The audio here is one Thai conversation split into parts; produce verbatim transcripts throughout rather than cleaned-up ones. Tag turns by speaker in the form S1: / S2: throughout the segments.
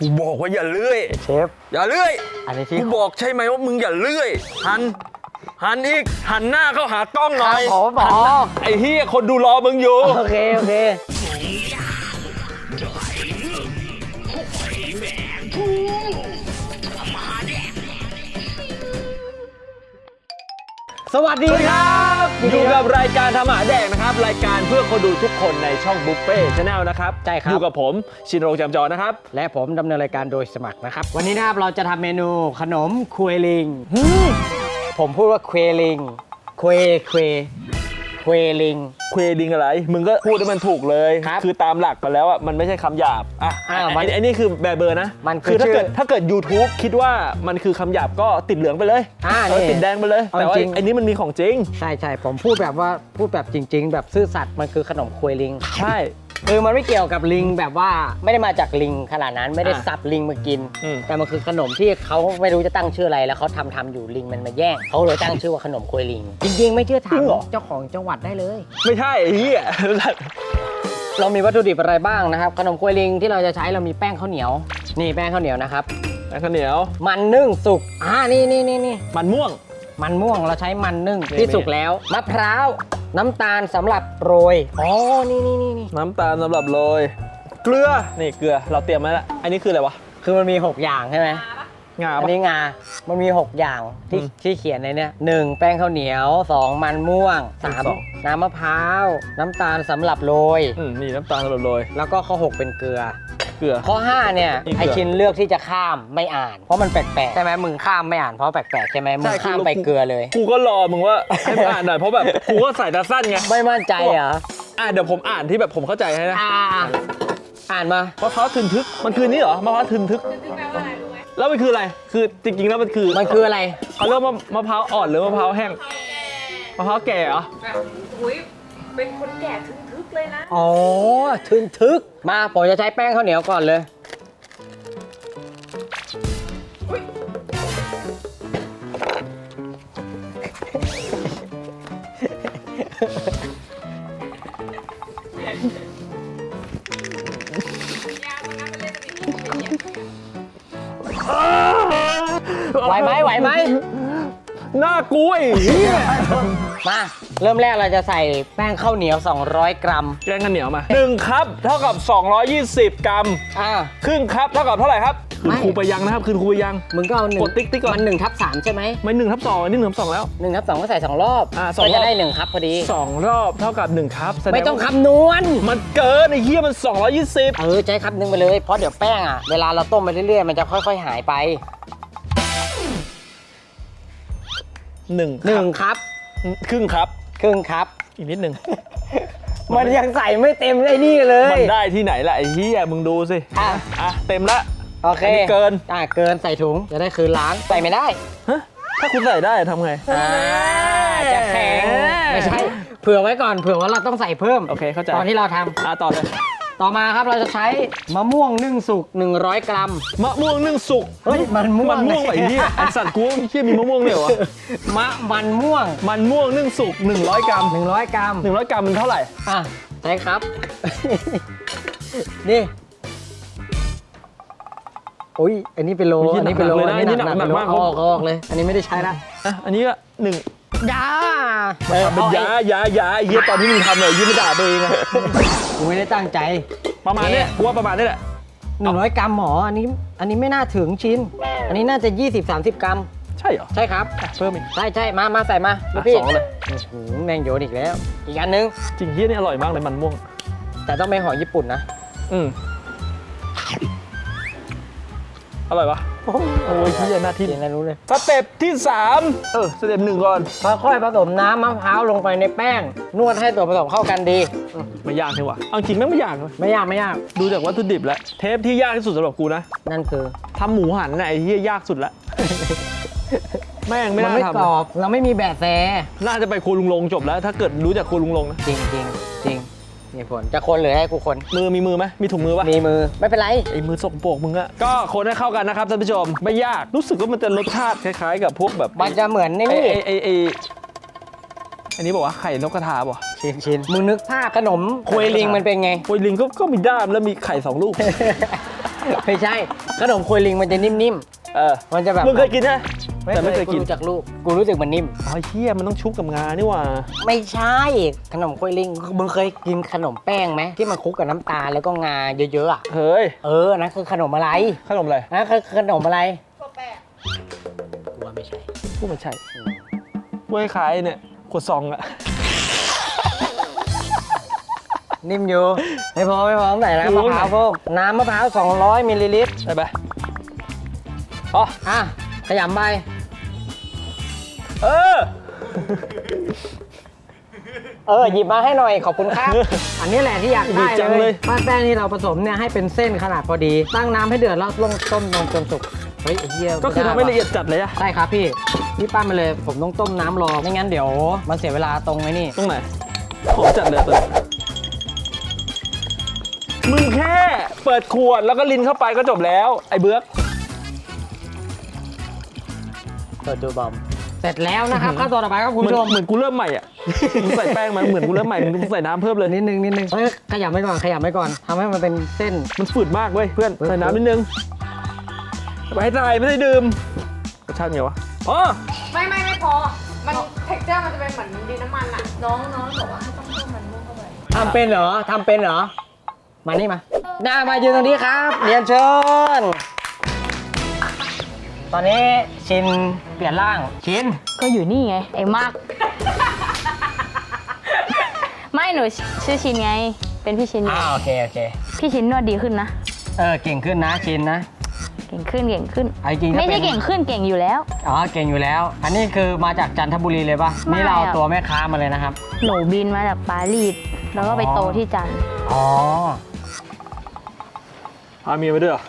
S1: กูบอกว่าอย่าเลื่อย
S2: เชฟ
S1: อย่าเลื่อย
S2: อันนี้ที่
S1: กูบอกใช่ไหมว่ามึงอย่าเลื่อยหันหันอีกหันหน้าเข้าหากล้องหน่อย
S2: ผมบอก
S1: ไอ้เหี้ยคนดูรอมึงอยู่
S2: โอเคโอเคสวัสดีครับ
S1: อยู่กับรายการทำอาหารแดกนะครับรายการเพื่อคนดูทุกคนในช่องบุฟเฟ่ชาแนลนะครับ
S2: ใช่ครับ
S1: อยู่กับผมชินโรงจำจอนะครับ
S2: และผมดำเนินรายการโดยสมัครนะครับวันนี้นะครับเราจะทำเมนูขนมควยลิงผมพูดว่าควยลิงควยควยควยลิง
S1: ควยลิงอะไรมึงก็พูดให้มันถูกเลย
S2: ครับ
S1: คือตามหลักไปแล้วอ่ะมันไม่ใช่คำหยาบอ่ะไอ้นี่คือแบบเบอร์นะ
S2: มัน
S1: คือถ้าเกิดถ้าเกิด YouTube คิดว่ามันคือคำหยาบก็ติดเหลืองไปเลย
S2: อ่า
S1: ติดแดงไปเลยแต่ว่าไอ้นี่มันมีของจริง
S2: ใช่ใช่ผมพูดแบบว่าพูดแบบจริงๆแบบซื่อสัตย์มันคือขนมควยลิง
S1: ใช่
S2: คือมันไม่เกี่ยวกับลิงแบบว่าไม่ได้มาจากลิงขนาดนั้นไม่ได้สับลิงมากินแต่มันคือขนมที่เขาไม่รู้จะตั้งชื่ออะไรแล้วเขาทำทำอยู่ลิงมันมาแย่งเขาเลยตั้งชื่อว่าขนมควยลิงจริงๆไม่เชื่อถามเจ้าของจังหวัดได้เลย
S1: ไม่ใช่ไอ้เหี้ย
S2: เรามีวัตถุดิบอะไรบ้างนะครับขนมควยลิงที่เราจะใช้เรามีแป้งข้าวเหนียวนี่แป้งข้าวเหนียวนะครับ
S1: แป้งข้าวเหนียว
S2: มันนึ่งสุกอ่านี่นี่นี่นี่
S1: มันม่วง
S2: มันม่วงเราใช้มันนึ่งที่สุกแล้วมะพร้าวน้ำตาลสำหรับโรยอ๋อนี่นี่นี่นี่
S1: น้ำตาลสำหรับโรยเกลือนี่เกลือเราเตรียมไว้แล้วอันนี้คืออะไรวะ
S2: คือมันมีหกอย่างใช่ไหม
S1: งา
S2: อันนี้งามันมีหกอย่างที่ที่เขียนในเนี้ยหนึ่งแป้งข้าวเหนียวสองมันม่วงสามน้ำมะพร้าวน้ำตาลสำหรับโรย
S1: อืมนี่น้ำตาลสำหรับโรย
S2: แล้วก็ข้อหกเป็นเกลือ
S1: เกลือ
S2: ข้อห้าเนี่ยไอชินเลือกที่จะข้ามไม่อ่านเพราะมันแปลกๆใช่ไหมมึงข้ามไม่อ่านเพราะแปลกๆใช่ไหมมึงข้ามไปเกลือเลย
S1: กูก็รอมึงว่าให้อ่านหน่อยเพราะแบบกูก็ใส่ตาสั้นไง
S2: ไม่มั่นใจเหรอ
S1: อ่ะเดี๋ยวผมอ่านที่แบบผมเข้าใจให้นะ
S2: อ่านมาม
S1: ะพร้าวทึนทึกมันคือนี่เหรอมะพร้าวทึนทึกแล้วมันคืออะไรคือจริงๆแล้วมันคือ
S2: มันคืออะไร
S1: เขาเรียกว่ามะพร้าวอ่อนหรือมะพร้าวแห้งมะพร้าวแก่เหรอ
S3: อุ้ยเป็นคนแก่ทึนทึกเลยนะ
S2: อ๋อทึนทึกมาผมจะใช้แป้งข้าวเหนียวก่อนเลยไหวไหมไหวไหม
S1: น่ากลัว
S2: มาเริ่มแรกเราจะใส่แป้งข้าวเหนียวสองร้อยกรัม
S1: แป้งข้าวเหนียวมาหนึ่งคัพเท่ากับสองร้อยยี่สิบกรัม
S2: อ่า
S1: ครึ่งคัพเท่ากับเท่าไหร่ครับคืนครูไปยังนะครับคืนครูไปยัง
S2: มึงก็เอาหนึ่ง
S1: กดติ๊กติ๊กก่อน
S2: มันหนึ่งทับสามใช่ไหม
S1: ไม่หนึ่งทับสองนี่หนึ่งทับสองแล้ว
S2: หนึ่งทับสองก็ใส่สองรอบ
S1: อ่าสองรอบ
S2: ก็จะได้หนึ่งคัพพอดี
S1: สองรอบเท่ากับหนึ่งคัพ
S2: ไม่ต้องคำนวณ
S1: มันเกินไอ้เหี้ยมันสองร้อยยี่สิบ
S2: เออใช้คัพนึงไปเลยเพราะเดี๋ยวแป้งอ่ะเวลาเราต้มไปเรื่อยๆมันจะค่อยๆหายไป
S1: หนึ่ง
S2: หนึ่งคัพ
S1: ครึ่งคัพ
S2: ครึ่งคัพ
S1: อีกนิดหนึ่ง
S2: มันยังใส่ไม่เต็มไอ้นี่เลย
S1: มันได้ที่ไหนล่ะไอ้เหี้ยมึงดูสิอ่ะอ่ะเต็มละ
S2: โอเค
S1: เกิน
S2: อ่ะเกินใส่ถุงจะได้คืนล้างใส่ไม่ได้
S1: ฮะถ้าคุณใส่ได้ทำไง
S2: อ่าจะแข็งไม่ใช่เผื่อไว้ก่อนเผื่อว่าเราต้องใส่เพิ่ม
S1: โอเคเข้าใจ
S2: ตอนที่เราทำ
S1: อ่ะต่อเลย
S2: ต่อมาครับเราจะใช้มะม่วงนึ่งสุกหนึ่งร้อยกรัม
S1: มะม่วงนึ่งสุก
S2: เฮ้ยมันม่วง
S1: มันม่วงไอ้เหี้ยไอ้สัตว์กูเหี้ยมีมะม่วงเลยเหรอ
S2: มะมันม่วง
S1: มันม่วงนึ่งสุกหนึ่งร้อยกรัม
S2: หนึ่งร้อยกรัม
S1: หนึ่งร้อยกรัมมันเท่าไหร่
S2: อ่ะใช่ครับนี่อุ้ยอันนี้เป็นโลอันนี้เป็นโล
S1: อันนี้หนักหนักมาก
S2: ออกออกเลยอันนี้ไม่ได้ใช้ละ
S1: อ่ะอันนี้ก็หนึ่ง
S2: ยา
S1: เป็นยายายาเฮียตอนที่มึงทำเลยยี่ไม่ด่าตัวเองอะ
S2: กูไม่ได้ตั้งใจ
S1: ประมาณนี้กูว่าประมาณนี้แหละ
S2: หนึ่งร้อยกรัมหมออันนี้อันนี้ไม่น่าถึงชิ้นอันนี้น่าจะยี่สิบสามสิบกรัม
S1: ใช่เหรอ
S2: ใช่ครับ
S1: เพิ่มอีก
S2: ใช่ใช่มามาใส่มาพี่
S1: สองเลย
S2: แมงโยนอีกแล้วอีกอันนึง
S1: จริงเฮียนี่อร่อยมากเลยมันม่วง
S2: แต่ต้องเป็นหอยญี่ปุ่นนะ
S1: อืมอร่อยปะโอ้ยที่หน้าที่
S2: อะไรรู้เลย
S1: สเต็ปที่สามเออสเต็ปหนึ่งก่อน
S2: ค่อยๆผสมน้ำมะพร้าวลงไปในแป้งนวดให้ตัวผสมเข้ากันดี
S1: ไม่ยากใช่ปะเอาจริงไม่ไม่ยากเลย
S2: ไม่ยากไม่ยาก
S1: ดูจากวัตถุดิบแล้วเทปที่ยากที่สุดสำหรับกูนะ
S2: นั่นคือ
S1: ทำหมูหันน่ะไอ้ที่ยากสุดละแม่งไม่น่าทำ
S2: ไม่กรอบเราไม่มีแบบแซ่
S1: น่าจะไปครัวลุงลงจบแล้วถ้าเกิดรู้จักครัวลุงลงนะ
S2: จริงจริงจริงนี่ผลจะคนหรือให้กูคน
S1: มือมีมือไหมมีถุงมือปะ
S2: มีมือไม่เป็นไร
S1: ไอ้มือสกปรกมึงอะก็คนให้เข้ากันนะครับท่านผู้ชมไม่ยากรู้สึกว่ามันจะรสชาติคล้ายๆกับพวกแบบ
S2: มันจะเหมือนนี่
S1: ไอ้ไอ้ไอ้อันนี้บอกว่าไข่นกกระทาป่ะ
S2: ชินชินมึงนึกภาพขนมควยลิงมันเป็นไง
S1: ควยลิงก็ก็มีด้ามแล้วมีไข่สองลูก
S2: ไม่ใช่ขนมโคยลิงมันจะนิ่ม
S1: เออ
S2: ๆ มันจะแบบ
S1: มึงเคยกินใช่ไหม
S2: ไม่
S1: แต่ไม่เคยกิน
S2: รู้จักลูก กูรู้สึกมันนิ่ม
S1: อ๋อเฮียมันต้องชุบกับงานี่หว่า
S2: ไม่ใช่ ขนมโคยลิง มึงเคยกินขนมแป้งไหมที่มันคลุกกับน้ำตาลแล้วก็งาเยอะๆอ่ะ
S1: เฮ้ย
S2: เออนั่นคือขนมอะไร
S1: ขนมอะไร
S2: นั่นคือขนมอะไร
S3: ตัวแป้ง
S2: กูว่าไม่ใช่
S1: พูดมันใช่พูดคล้ายๆเนี่ยขวดซองอะ
S2: นิ่มอยู่ ไม่พอไม่พอใส่น้ำมะพร้าวเพิ่มน้ำมะพร้าวสองร้อยมิลลิลิตร
S1: ได้ปะอ๋อ
S2: อ่ะ ขยำไป
S1: เออ
S2: เออ หยิบมาให้หน่อยขอบคุณครับ อันนี้แหละที่อยากได้
S1: ดีจัง
S2: เล
S1: เลย ย
S2: ปั้นแป้งที่เราผสมเนี่ยให้เป็นเส้นขนาดพอดี ตั้งน้ำให้เดือดแล้วลงต้มลงจนสุก เฮ้ยไอ้เหี้ย
S1: ก็คือทำให้ละเอียดจัดเลยอะ
S2: ใช่ครับพี่ พี่ปั้นมาเลย ผมต้องต้มน้ำรอ ไม่งั้นเดี๋ยวมันเสียเวลาตรงไอ้นี่
S1: ตรงไหนของจัดเลยตัวนี้มึงแค่เปิดขวดแล้วก็ลินเข้าไปก็จบแล้ว ไอ้เบื้อก
S2: เปิดดูบอม เสร็จแล้วนะครับขั้นตอนต่อไปครับคุณ
S1: เหมือน
S2: ผู้ชม
S1: เหมือนกูเริ่มใหม่อ่ะ มึงใส่แป้งมาเหมือนกูเริ่มใหม่ มึงใส่น้ำเพิ่มเลย
S2: นิดนึงนิดนึงเฮ้ยขยำไว้ก่อนขยำไว้ก่อนทำให้มันเป็นเส้น
S1: มันฝืดมากเว้ยเพื่อน ใส่น้ำนิดนึงไปให้ตายไม่ได้ดื่มรสชาติไงวะอ๋อ
S3: ไม่ไม่ไม่พอ มันเท็กเจอร์มันจะเป็นเหมือนดินน้ำมันอะน้องน้องบอกว่าให้ต้องเพิ่มมันม่วงเข้าไป
S2: ทำเป็นเหรอ ทำเป็นเหรอ มานี่มาหน้ามายืนตรงนี้ครับ เรียนเชิญ ตอนนี้ชินเปลี่ยนร่าง ชิน
S4: ก็อยู่นี่ไง ไอ้มาก ไม่หนูชื่อชินไง เป็นพี่ชิน
S2: อ่าโอเคโอเค
S4: พี่ชินนวดดีขึ้นนะ
S2: เออเก่งขึ้นนะชินนะ
S4: เก่งขึ้นเก่งขึ้น
S2: เอาจริงๆถ้า
S4: ไม่
S2: เป็
S4: ใช่
S2: น
S4: เก่งขึ้นเก่งอยู่แล้ว
S2: อ๋อเก่งอยู่แล้ว อันนี้คือมาจากจันทบุรีเลยปะ
S4: ไม่
S2: นี่เรา
S4: อะ
S2: ตัวแม่ค้ามาเลยนะครับ
S4: หนูบินมาจากปารีสแล้วก็ไปโตที่จันทร์
S2: อ๋อ
S1: พาเมียไปด้วยเหรอ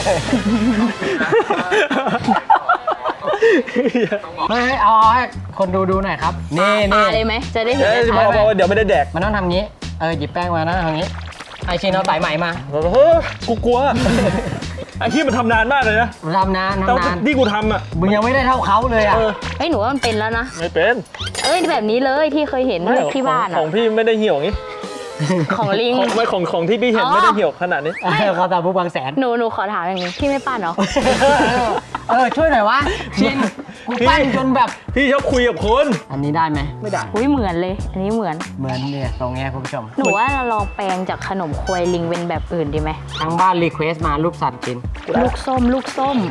S2: เฮ้ยเอาให้คนดูดูหน่อยครับ นี่นี่
S4: ปาเลยไหมจะได้เห็น
S1: เอ้ย
S4: ชั
S1: บอ
S4: ด
S1: กบอกว่าเดี๋ยวไม่ได้แดก
S2: มันต้องทำงี้ เออหยิบแป้งมานะทำงี้ ไอชินเอาสายไหมมา
S1: เฮ้ยกูกลัว ไอ้ที่มันทำนานมากเลยนะ
S2: ทำนาน
S1: แต่
S2: ทำนาน
S1: ที่กูทำอ่ะ
S2: มึงยังไม่ได้เท่าเขาเลยอ่ะ
S1: เออ
S4: เฮ้ยหนูว่ามันเป็นแล้วนะ
S1: ไม่เป็น
S4: เอ้ยแบบนี้เลยที่เคยเห็นที่บ้าน
S1: ข
S4: อะ
S1: องพี่ไม่ได้เหี่ยวงี้
S4: ของลิง
S1: ของไม่ของของที่พี่เห็น
S4: อ๋อ
S1: ไม่ได้เหี่ยวขนาดนี้
S2: เขาตามผู้บางแสน
S4: หนูหนูขอถามอย่างนี้พี่ไม่ปั้นเหรอ
S2: เออช่วยหน่อยวะ ชิน กูปั้นจนแบบ
S1: พี่ชอบคุยกับคน
S2: อันนี้ได้ไหม
S1: ไม่ได้
S4: อุ้ยเหมือนเลย อันนี้เหมือน
S2: เหมือนเนี่ยตรงเนี้ยคุณผู้ชม
S4: หนูว่าเราลองแปลงจากขนมควยลิงเป็นแบบอื่นดีไหม
S2: ทางบ้านรีเควสมารูปสัตว์ชิน
S4: ลูกส้ม ลูกส้ม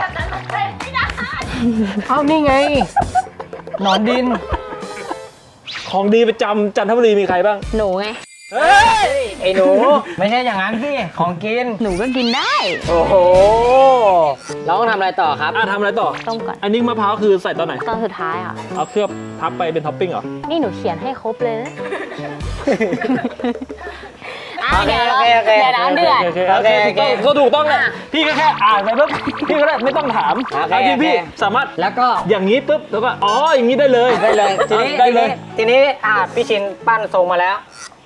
S2: เอ้านี่ไง หนอนดิน
S1: ของดีประจำจันทบุรีมีใครบ้าง
S4: หนูไง
S1: เฮ้ย
S2: ไอ้หนู ไม่ใช่อย่างนั้นพี่ของกิน
S4: หนูก็กินได้
S2: โอ้โหเราต้องทำอะไรต่อครับ
S1: อ่ะทำอะไรต่อ
S4: ต้มก่อน
S1: อันนี้มะพร้าวคือใส่ตอนไหน
S4: ตอนสุดท้ายอ่ะ
S1: เอาเคลือบทับไปเป็นท็อปปิ้งเหรอ
S4: นี่หนูเขียนให้ครบเลยนะอ่ะ
S2: โอเค
S4: เดี๋ยวเรา
S2: โอเคโอเค
S4: เดี๋ยวน้ำเดือด
S1: โอเค
S2: โอ
S1: โอ
S2: เค
S1: เค
S2: โอเค
S1: ก็ถูกต้องแหละพี่ก็แค่อ่านไปปุ๊บพี่ก็ได้ไม่ต้องถาม
S2: โอเค
S1: เอาจริงพี่
S2: โอเค
S1: สามารถ
S2: แล้วก็
S1: อย่างนี้ปุ๊บแล้วก็อ๋ออย่างนี้ได้เลย
S2: ได้เลย ทีนี้
S1: ได้เลย
S2: ทีนี้อ่าพี่ชินปั้นทรงมาแล้ว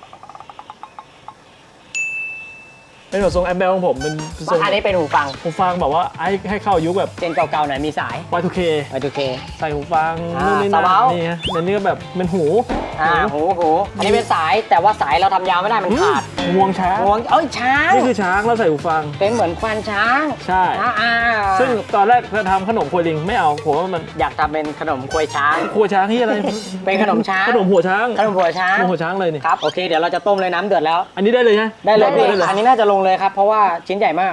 S1: เป็นแบบทรงแอมเบลของผมเป็นทรง
S2: อันนี้เป็นหูฟัง
S1: หูฟังแบบว่าให้ให้เข้ายุคแบบ
S2: เจนเก่าๆหน่อยมีสาย
S1: วาย ทู เค
S2: ไปดูเค
S1: ใส่หูฟัง
S2: อ่า
S1: นู่นนี่นั่
S2: สบาย
S1: นนี่ฮะอันนี้ก็แบบเป็นหู
S2: อ่าหูหูอันนี้เป็นสายแต่ว่าสายเราทำยาวไม่ได้มันขาด
S1: งวงช้าง
S2: งวงเอ้ยช้าง
S1: นี่คือช้างแล้วใส่หูฟัง
S2: เป็นเหมือนควานช้าง
S1: ใช่
S2: อ่าอ่า
S1: ซึ่งตอนแรกจะทำขนมควยลิงไม่เอาผมว่ามัน
S2: อยากทำเป็นขนมควยช้าง
S1: ควยช้างที่อะไร
S2: เป็นขนมช้าง
S1: ขนมหัวช้าง
S2: ขนมหัวช้าง
S1: ขนมหัวช้างเลยนี่
S2: ครับโอเคเดี๋ยวเราจะต้มเลยน้ำเดือดแล้ว
S1: อันนี้ได้เลยใช่ไหม
S2: ได้เลยพี่
S1: ได้เลย
S2: อันนี้น่าจะลงเลยครับเพราะว่าชิ้นใหญ่มาก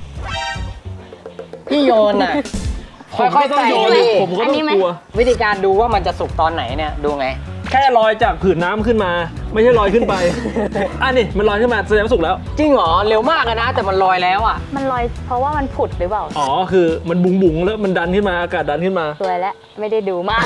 S2: พี่โยนอ่ะ
S1: ผม
S2: ค่อย
S1: ก็
S2: ๆ
S1: ต้อง
S2: ใส่
S1: โยน
S2: ดิ
S1: ผมก็
S4: อัน
S1: ต้อ
S4: นี้
S1: ง
S4: ไหม
S1: กลัว
S2: วิธีการดูว่ามันจะสุกตอนไหนเนี่ยดูไง
S1: แค่ลอยจากผืนน้ำขึ้นมา ไม่ใช่ลอยขึ้นไป อันนี้มันลอยขึ้นมาแสดงว่าสุกแล้ว
S2: จริงเหรอเร็วมากอะนะ แต่มันลอยแล้วอ่ะ
S4: มันลอยเพราะว่ามันผุดหรือเปล่า
S1: อ๋อคือมันบุ๋งบุ๋งๆแล้วมันดันขึ้นมาอากาศดันขึ้นมา
S4: สวยแล้วไม่ได้ดูมาก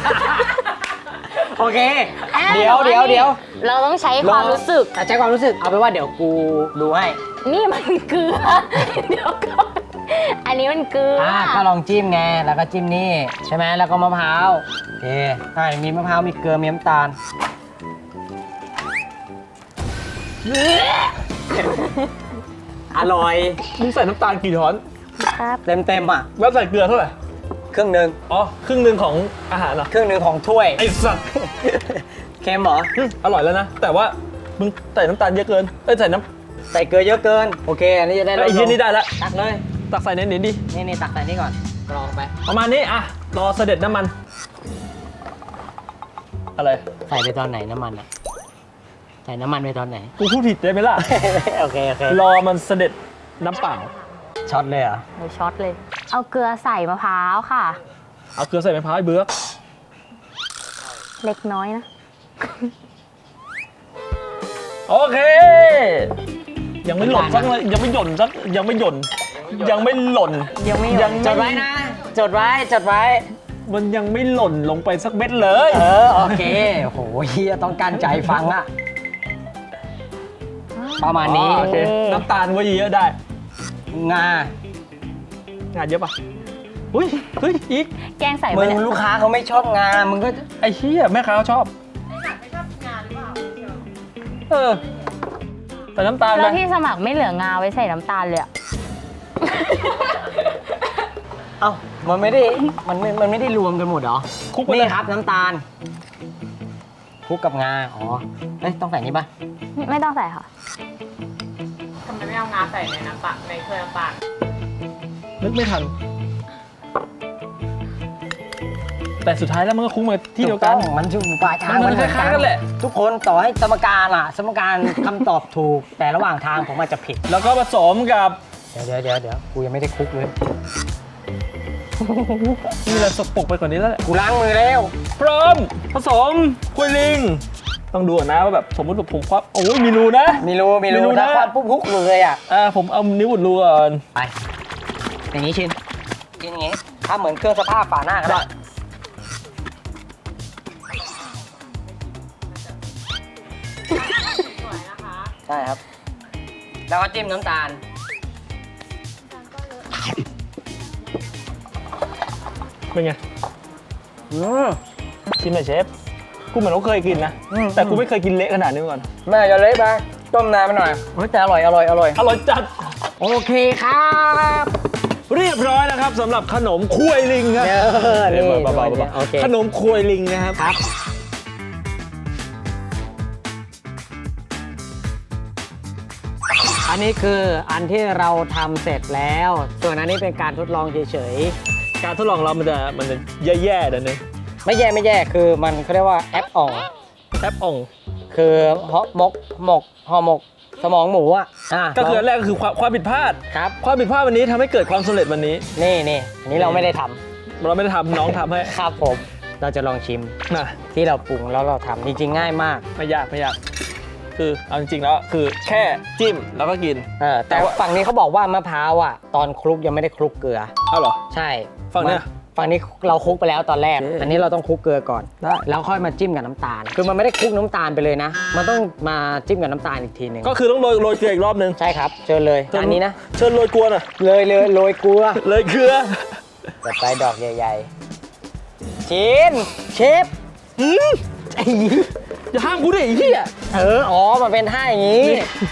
S2: โอเค เดี๋ยวเดี๋ยวเดี๋ยว
S4: เราต้องใช้ความรู้สึก
S2: อ่ะใช้ความรู้สึกเอาไปนว่าเดี๋ยวกูดูให้
S4: นี่มันเกลือ เดี๋ยวก่อนอันนี้มันเกลือ
S2: อ่าก็ลองจิ้มไงแล้วก็จิ้มนี่ใช่ไหมแล้วก็มะพร้าวโอเคใช่มีมะพร้าวมีเกลือมีน้ำตาล อร่อย
S1: มึงใส่น้ำตาลกี่ช้อน
S4: ครับ
S2: เต็มเต็มๆอ่ะ
S1: แล้วใส่เกลือเท่าไหร่
S2: ครึ่งหนึ่ง
S1: อ๋อครึ่งหนึ่งของอาหารเหรอ
S2: ครึ่งหนึ่งของถ้วย
S1: ไอ้สัตว์
S2: เค็มเหรอ
S1: อืมอร่อยแล้วนะ แต่ว่ามึงใส่น้ำตาลเยอะเกินเอ้ยใส่น้ำ
S2: ใส่เกลือเยอะเกินโอเคอันนี้จะได้ลด
S1: ไอ้
S2: ล
S1: เหี้ย
S2: ง
S1: นี่ได้ละ
S2: ตักเลย
S1: ตักใส่ในนี้ดิ
S2: นี่นี่ตักใส่นี่ก่อนกรองไป
S1: ประมาณนี้อ่ะรอเสด็จน้ำมัน อะไร
S2: ใส่ไปตอนไหนน้ำมันอ่ะใส่น้ำมันไปตอนไหน
S1: กูพูดผิดได้ไหมล่ะ
S2: โอเคโอเค
S1: รอมันเสด็จน้ำเปล่า
S2: ช็อตเลยเหรอ
S4: โอ้ยช็อตเลย เอาเกลือใส่มะพร้าวค่ะ
S1: เอาเกลือใส่มะพร้าวไอ้เบือก
S4: เล็กน้อยนะ
S1: โอเค ยังไม่หล่นสักเลยยังไม่หย่นสักยังไม่หย่นยังไม่หล่น
S4: ยังไม่หย่น
S1: ยัง
S2: จดไว้นะ จดไว้จดไว้
S1: มันยังไม่หล่นลงไปสักเม็ดเลย
S2: เออโอเคโอ้โหเฮียต้องการใจฟังอะประมาณนี้
S1: อ๋อโอเคน้ำตาลไว้เยอะๆได้
S2: งา
S1: งานเยอะปะอุ้ยเฮ้ยอีก
S4: แกงใส่
S2: มึ
S4: ไป
S2: ง
S4: เนี่ย
S2: ลูกค้าเขาไม่ชอบงา มึงก็
S1: ไอ้เหี้ยแม่ค้าเขาชอบ
S3: ไม่ชอบงานหรือเปล่า
S1: เออใส่น้ำตาลไป
S4: แล้วที่สมัครไม่เหลืองาไว้ใส่น้ำตาลเลยอะ
S2: เอ้ามันไม่ได้มันไม่มันไม่ได้รวมกันหมดเหรอ
S1: คลุกไปเลย
S2: นี่ครับน้ำตาลคลุกกับงาอ๋อเอ้ยต้องใส่นี่ป่ะ
S4: ไม่ต้องใส่ค่ะ
S3: ทำไมไม่เอางาใส่ในน้ำตาลในถ้วยน้ำตาล
S1: นึกไม่ทัน แต่สุดท้ายแล้วมันก็คลุกมาที่เดียวกัน
S2: ถูต้องมันอยู่ปลายทาง
S1: มันคล้ายๆกันแหละ
S2: ทุกคนต่อให้สมการอ่ะ สมการคำตอบถูก แต่ระหว่างทางผมอาจจะผิด
S1: แล้วก็ผสมกับ
S2: เดี๋ยวเดี๋ยวเดี๋ยวเดี๋ยวกูยังไม่ได้คลุกเลย
S1: นี่เราสกปรกไปกว่านี้แล้วแหละ
S2: กูล้างมือแล้ว
S1: พร้อมผสมคุยลิง ต้องดูก่อนนะว่าแบบสมมติว่าผมควับโอ้ยมีรูนะ
S2: มีรูมี
S1: มีรู
S2: รู
S1: นะ
S2: ถ้าควันปุ๊บฮุกเลยอ่ะ
S1: อ่าผมเอานิ้วอุดรูก่อน
S2: ไป อย่างนี้ชินชินอย่างนี้ถ้าเหมือนเครื่องสภาพฝาหน้าก็ได้
S3: สวยนะคะ
S2: ใช่ครับ แล้วก็จิ้มน้ำตาล
S1: เป็นไง
S2: อืม
S1: ชิมหน่อยเชฟกูเหมือนว่าเคยกินนะ
S2: อืม
S1: แต่กูไม่เคยกินเละขนาดนี้มาก่อน
S2: แม่จะเละไปต้มนานไปหน่อยเฮ้ยแต่อร่อยอร่อยอร่อย
S1: อร่อยจัด
S2: โอเคครับ
S1: เรียบร้อยนะครับสำหรับขนมคุยลิงครับ
S2: เออนี่
S1: เบาๆเบา
S2: โอเค
S1: ๆขนมคุยลิงนะครับ
S2: ครับ อันนี้คืออันที่เราทำเสร็จแล้ว ส่วนอันนี้เป็นการทดลองเฉย
S1: การทดลองเรามันจะมันจะแย่ๆเดี๋ยวนึง
S2: ๆ ไม่แย่ไม่แย่คือมันเขาเรียกว่าแอปอ่อง
S1: แอปอ่อง
S2: คือฮอหมกหมกห่อหมกสมองหมูอ่ะอ่ะ
S1: ก็คืออันแรกก็คือความความผิดพลาด
S2: ครับ
S1: ความผิดพลาดวันนี้ทำให้เกิดความสำเร็จวันนี้
S2: นี่นี่อันนี้เราไม่ได้ทำ
S1: เราไม่ได้ทำน้องทำให้
S2: ครับผม เราจะลองชิม
S1: นะ
S2: ที่เราปรุงแล้วเราทำจริงๆง่ายมาก
S1: ไม่ยากไม่ยากคือเอาจริงๆแล้วคือแค่จิ้มแล้วก็กิน
S2: เออแต่ฝั่งนี้เขาบอกว่ามะพร้าวอ่ะ ตอนคลุกยังไม่ได้คลุกเกลือ
S1: เอาเหรอ
S2: ใช่
S1: ฝั่งเนี้ย
S2: ฝั่งนี้เราคลุกไปแล้วตอนแรก
S1: โอเค
S2: อันนี้เราต้องคลุกเกลือก่อน
S1: ได้
S2: แล้วค่อยมาจิ้มกับน้ำตาล คือมันไม่ได้คลุกน้ำตาลไปเลยนะ มันต้องมาจิ้มกับน้ำตาลอีกทีหนึ่ง
S1: ก็คือต้องโรยโรยเกลืออีกรอบนึง
S2: ใช่ครับเชิญเลยอันนี้นะ
S1: เชิญโรยกลัวหน่อย
S2: เลยเลยโรยเกลือ
S1: เลยเกลือ
S2: จัดไปดอกใหญ่ๆชินเชฟ
S1: อืม
S2: ไอ้
S1: อย่าห้ามกูดิไอ้เหี้ย
S2: เอออ๋อมันเป็นท่าอย่างนี้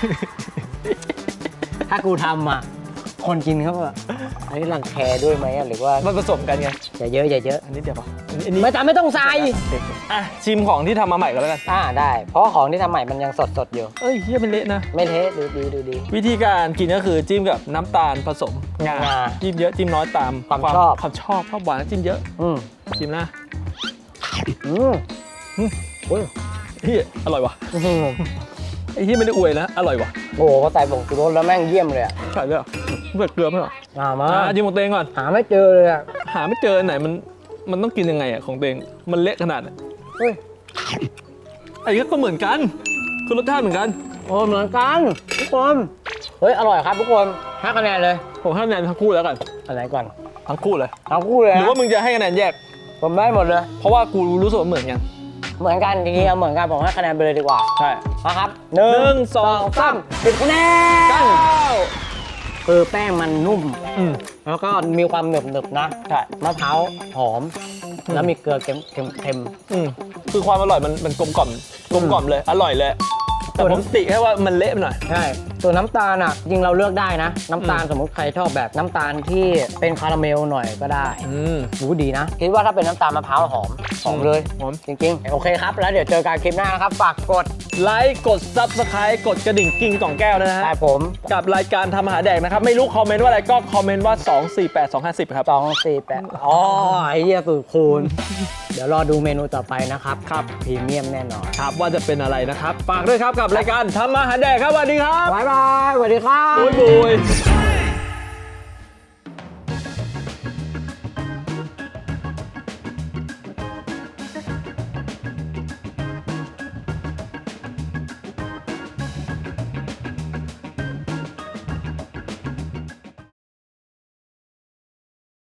S2: ถ้ากูทำอ่ะ คนกินเขาแบบอันนี้รังแคด้วยไหมอะหรือว่า
S1: มันผสมกันไง
S2: อย่าเยอะอย่าเยอะ
S1: อันนี้เดี๋ยวป่ะอันนี้อันนี้
S2: ไม่จำไม่ต้องใส่
S1: อ่ะชิมของที่ทำมาใหม่ก็แล้วกัน
S2: อ่าได้ เพราะว่าของที่ทำใหม่มันยังสดสดๆอยู่
S1: เอ้ยเหี้ยเป็นเละนะ
S2: ไม่เทะดูดีดูดี
S1: วิธีการกินก็คือจิ้มกับน้ำตาลผสมงาง
S2: า
S1: จิ้มเยอะจิ้มน้อยตาม
S2: ความชอบ
S1: ความชอบชอบหวานจิ้มเยอะ
S2: อืม
S1: จิ้มนะ
S2: อืม
S1: อืม
S2: โอ้ย
S1: เฮียอร่อยว่ะ
S2: อื้อหือ
S1: ไอ้เฮียไม่ได้อวยนะอร่อยว่ะ
S2: โอ้โหพอใส่ผงชูรสแล้วแม่งเยี่ยมเลยอ่ะ
S1: ใช่เลยเหรอเบื่อเกลือไหมเหรอ
S2: อ่ามา
S1: อ่ะจิ้มของตัวเองก่อน
S2: หาไม่เจอเลยอ่ะ
S1: หาไม่เจออันไหนมันมันต้องกินยังไงอ่ะของตัวเองมันเละขนาดไหน
S2: เฮ้ย
S1: ไอ้เหี้ยก็เหมือนกันคือรสชาติเหมือนกัน
S2: โอ้เหมือนกันทุกคนเฮ้ยอร่อยครับทุกคนห้าคะแนนเลย
S1: ผมให้คะแนนทั้งคู่แล้วกัน
S2: อะไรก่อน
S1: ทั้งคู่เลย
S2: ทั้งคู่เลย
S1: หรือ
S2: นะ
S1: ว่ามึงจะให้คะแนนแยก
S2: ผมได้หมดเลย
S1: เพราะว่ากูรู้สึกว่าเหมือนกัน
S2: เหมือนกันจริงๆเอาเหมือนกันผมให้คะแนนไปเลยดีกว่า
S1: ใช่
S2: นะครับห
S1: หนึ่
S2: นึ่
S1: ง
S2: ง
S1: สองสาม
S2: สิบคะแน
S1: เก้าน
S2: คือแป้งมันนุ่ม
S1: อืม
S2: แล้วก็มีความหนึบหนึบๆนะ
S1: ใช่
S2: มะพร้าวหอม แล้วมีเกลือเค็มเค็มเค็ม
S1: อืมคือความอร่อยมันมันกลมกล่อมกลมกล่อมเลยอร่อยเลยแต่ผมติแค่ว่ามันเละไปหน่อย
S2: ใช่ส่วนน้ำตาลอ่ะจริงเราเลือกได้นะ น้ำตาล
S1: อืม
S2: สมมติใครชอบแบบน้ำตาลที่เป็นคาราเมลหน่อยก็ได้
S1: อืม
S2: รู้ดีนะ คิดว่าถ้าเป็นน้ำตาลมะพร้าวหอมหอมเลย
S1: หอม
S2: จริงๆ โอเคครับ แล้วเดี๋ยวเจอกันคลิปหน้านะครับ ฝากกด
S1: ไลค์กด ซับสไครบ์ กดกระดิ่งกิ้งกล่องแก้วนะฮะ
S2: ครับผม
S1: กับรายการทำอาหารแดกนะครับ ไม่รู้คอมเมนต์ว่าอะไรก็คอมเมนต์ว่า สอง สี่ แปด สอง ห้า ศูนย์ ครับ
S2: สองสี่แปดอ๋อไอ้เหี้ยสูตรคูณ เดี๋ยวรอดูเมนูต่อไปนะครับ
S1: ครับ
S2: พรีเมียมแน่นอน
S1: ครับว่าจะเป็นอะไรนะครับฝากด้วยครับกับรายการทำอาหารแดกครับสวัสดีครับ
S2: บ๊ายบายสวัสดีครับ
S1: บุยบุย